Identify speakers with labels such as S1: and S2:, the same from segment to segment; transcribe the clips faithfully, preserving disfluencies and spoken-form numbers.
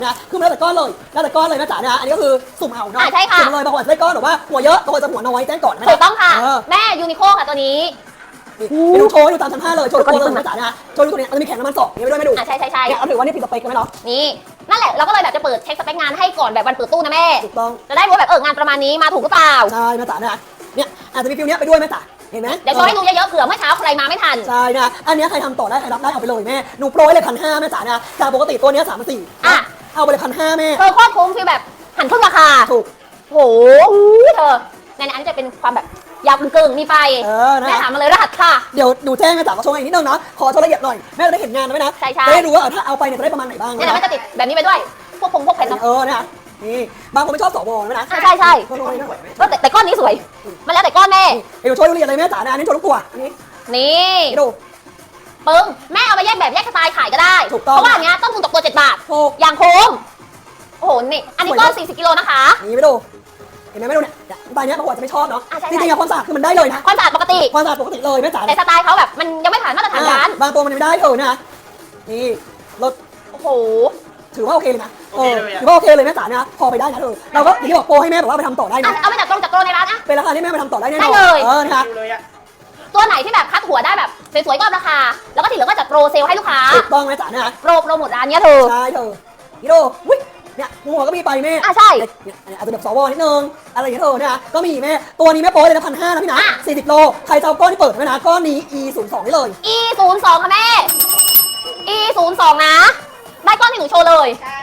S1: นะคือมันแล้วแต่ก้อนเลยแล้วแต่ก้อนเลยนะจ๋านะอันนี้ก็คือสุ่มเอาเนาะ
S2: อ่าใช่ค่ะ
S1: สุ่มเลยบางคนได้ก้อนหรือว่าหัวเยอะบางคนจะหัวน้อยแจ้งก่อนนะ
S2: ถูกต้องค่ะ
S1: เออ
S2: แม่ยูนิโคค่ะตัวนี้
S1: ไปดูโชว์ให้ดูตามชั้นห้าเลยโชว์ตัวเลยนะจ๋านะโชว์ตัวนี้มันจะมีแข็งน้ำมันสองนี่ไม่ด้วยไม่ดู
S2: อ่ะใช่ใช่ใช่
S1: เนี่ยเอาถือว่านี่ผิดสเปคกันไหมเนาะ
S2: นี่นั่นแหละเราก็เลยแบบจะเปิดเช็คสเปคงานให้ก่อนแบบวันเปิดตู้นะแม่
S1: ถูกต้อง
S2: จะได้รู้ว่าแบบเอองานประมาณนี้มาถูกหรือเปล่า
S1: ใช่นะจ๋านะเนี่ยอาจจะมีฟิลเนี้ยไปด้วยแม่จ๋าเห็นไหม
S2: เดี๋ยวโชว์ให้ดูเยอะๆเผื่อเมื่อเช้าใครมาไม่ทัน
S1: ใช่นะอันเนี้ยใครทำต่อได้ใครรับได้เอาไปเลยแม่หนูโปรยเลยพันห้าแม่จ๋านะจากปกติตัวเนี้ยสามพันสี่
S2: อ่ะ
S1: เอาไปเลยพันห้าแม่
S2: เธอโคตรคุ้มคือแบบหันครึ่งราคา
S1: ถูก
S2: โหเธอในนั้นจะเป็นความแบบยาวกึ่งๆมีไฟ
S1: เออนะ
S2: แม่ถามมาเลยรหัสค่ะ
S1: เดี๋ยวดูแจ้งแม่จ๋าก็โชว์อีกนิดนึงเนาะขอโชว์ละเอียดหน่อยแม่จะได้เห็นงานนะแม่นะ
S2: ใช่ใช่
S1: จะได้รู้ว่าเออถ้าเอาไปเนี่ยจะได้ประมาณไหนบ้าง
S2: เนี่ยนะมันจะติดแบบนี้ไปด้วยพวกพงพวกเพชรเนาะ
S1: เออนะนี่บางคนไม่ชอบสวนะนะ
S2: อ่ะใช่ใช่
S1: โชว์ตรงนี้นะ
S2: ก็แต่แต่ก้อนนี้สวย มันแล้วแต่ก้อนแม่
S1: เดี๋ยวโชว์ละเอียดเลยแม่จ๋านะอันนี้โชว์ทุกตัวอันนี้
S2: นี่
S1: นี่ดู
S2: ปึ้งแม่เอาไปแยกแบบแยกสไตล์ขายก็ได้
S1: ถูกต้อง
S2: เพราะว่าอันเนี้ยต้นทุนตกตัวเจ็ดบาท
S1: ถูก
S2: อย่างคุ้มโอ้โหนี่อันนี้ก้อนสี่สิบกิโลนะคะ
S1: นี่ไม่ดูเห็นไหมไม่ดูเนี่ยใบเนี้ยบางคนอาจจะไม่ชอบเนาะ
S2: อ่ะใช่
S1: จริงๆอะความสะอาดคือมันได้เลยนะ
S2: ความสะอาดปกติ
S1: ความสะอาดปกติเลยแม่จ๋า
S2: แต่สไตล์เขาแบบมันยังไม่ผ่านมาตรฐานร้าน
S1: บางตัวมันยังไม่ได้เออนะนี่รถ
S2: โอ้โห
S1: ถือว่าโอเคเลยนะเออถือว่าโอเคเลยแม่จ๋านะพอไปได้นะเธอเราก็อย่างที่บอกโปรให้แม่แบบว่าไปทำต่อได้
S2: อ่ะ
S1: นะ
S2: เอาไปจากตรงจากโกรในร้านอะ
S1: เป็นราคาที่แม่ไปทำต่อได้แน่นอน
S2: ได้เลย
S1: เออนะคะ
S2: ตัวไหนที่แบบคัดหัวได้แบบสวยๆก็ราคา แล้วก็ที่เหลือก็จัดโปรเซลให้ลูกค้า
S1: ถูกต้องแม่จ๋านะ
S2: โปรโปรหมดร้านเนี้ยเธอ
S1: ใช่เธอนี่ดูอุ้ยเนี่ยหัวก็มีไปแม่
S2: อ่ะใช่
S1: เนี่ยอาจจะแบบสวนิดนึงอะไรอย่างเงี้ยเธอเนี่ยก็มีแม่ตัวนี้แม่โปรเลยนะพันห้านะพี่นะ
S2: อ่ะ
S1: สี่สิบโลใครจะเอาก้อนที่เปิดไว้นะก้อนนี้ e ศูนย์สองนี่เลย
S2: e ศูนย์สองค่ะแม่ e ศูนย์สองนะ ได้ก้อนที่หนูโชว์เลย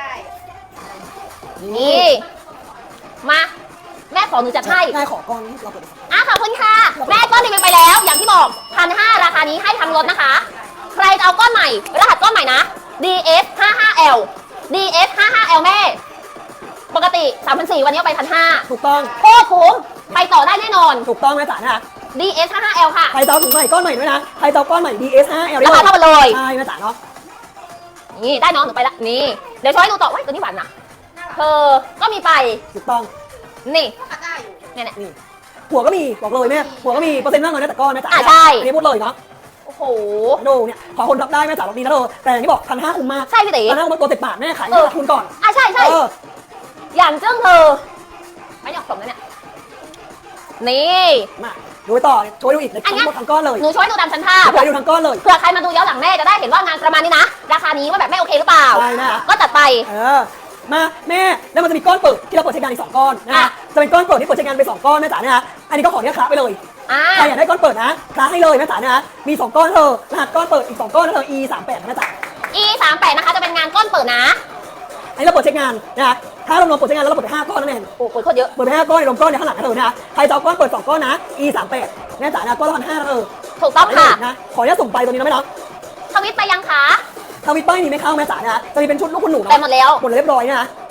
S2: นี่ มา แม่ขอหนูจัดให้
S1: แม่ขอก้อนเราเปิด
S2: อ่ะขอบคุณค่ะ แม่ก้อนรีวิวไปแล้ว อย่างที่บอกพันห้าราคานี้ให้ทางรถนะคะ ใครจะเอาก้อนใหม่ รหัสก้อนใหม่นะ ดี เอส ห้าห้า แอล ดี เอส ห้าห้า แอล แม่ ปกติ สามพันสี่ร้อย วันนี้เอาไปพันห้า
S1: ถูกต้อง
S2: โคตรคุ้มไปต่อได้แน่นอน
S1: ถูกต้องแม่จ๋านะ
S2: ดี เอส ห้าห้า แอล ค่ะ
S1: ใครจะเอาถุงใหม่ก้อนใหม่ด้วยนะใครจะเอาก้อนใหม่ ดี เอส ห้า แอล
S2: ราคาเท่ากันเลย
S1: ใช่แม่จ๋าเนาะ
S2: นี่ได้น้องหนูไปละ นี่ เดี๋ยวช้อยดูต่อว้ายตัวนี้หวานนะเธอก็มีไป
S1: ถูกต้อง
S2: นี่เนี่ยเนี่ย
S1: นี่หัวก็มีบอกเลยแม่หัวก็มีเปอร์เซ็นต์มากเลยนะแต่ก้อนแม่จ๋า
S2: อ่ะใช่
S1: อันนี้พูดเลยเนาะ
S2: โอ้โห
S1: ดูเนี่ยขอคนรับได้แม่จ๋าบอกดีนะเธอแต่อย่างที่บอกพันห้าคุ้มมาก
S2: ใช่พี่ตี
S1: พันห้าตัวเจ็ดบาทแม่ขาย
S2: เออ
S1: ขาดทุนก่อน
S2: อ่ะใช่ใช่
S1: เออ
S2: อย่างจึ้งเธอ ไม่อยากสมนะเนี่ย นี่
S1: มาดูต่อช่วยดูอีกเลย
S2: อัน
S1: ทั้
S2: เนี้
S1: ง
S2: ย
S1: หมดทั้งก้อนเลย
S2: หนูช่วยดูตามชั้นภาพ
S1: ช่วยดูทั้งก้อนเลย
S2: เผื่อใครมาดูย้อนหลังแม่จะได้เห็นว่างานประมาณนี้นะ ราคานี้ว่าแบบไม่โอเคหรือเปล่า
S1: ใช่นะ
S2: ก็จัดไป
S1: เออมาแม่แล้วมันจะมีก้อนเปิดที่เราเปิดใช้งานอีกสองก้อนนะ
S2: อ่ะ
S1: จะเป็นก้อนเปิดที่เปิดใช้งานไปสองก้อนแม่จ๋านะอันนี้ก็ขอเนี้ยคละไปเลย
S2: อ่า
S1: ใครอยากได้ก้อนเปิดนะคละให้เลยแม่จ๋านะมีสองก้อนเธอรหัสก้อนเปิดอีกสองก้อนนะเธอ e สามแปดแม่จ๋า
S2: e สามแปดนะคะจะเป็นงานก้อนเปิดนะ
S1: อันนี้เราเปิดใช้งานนะถ้าเรารวมเปิดใช้งานแล้วเราเปิดไปห้าก้อนนั่นเอง
S2: โอ้โหโคตรเยอะ
S1: เปิดไปห้าก้อนในรวมก้อนในข้างหลังนะเธอนะใครจะเอาก้อนเปิดสองก้อนนะ e สามแปดแม่จ๋านะก้อนละพันห้านะเธอ
S2: ถูกต้องค่ะ
S1: นะขออนุญาตส่งไปตัวนี้นะแม่เนาะ
S2: ทวิตไปยังคะ
S1: ทวิตป้ายนี้ไม่เข้าแม่จ๋านะจะมีเป็นชุดลูกคุณหนูเนาะ
S2: ไปหมดแล้ว
S1: หมดเรียบร้อยนะ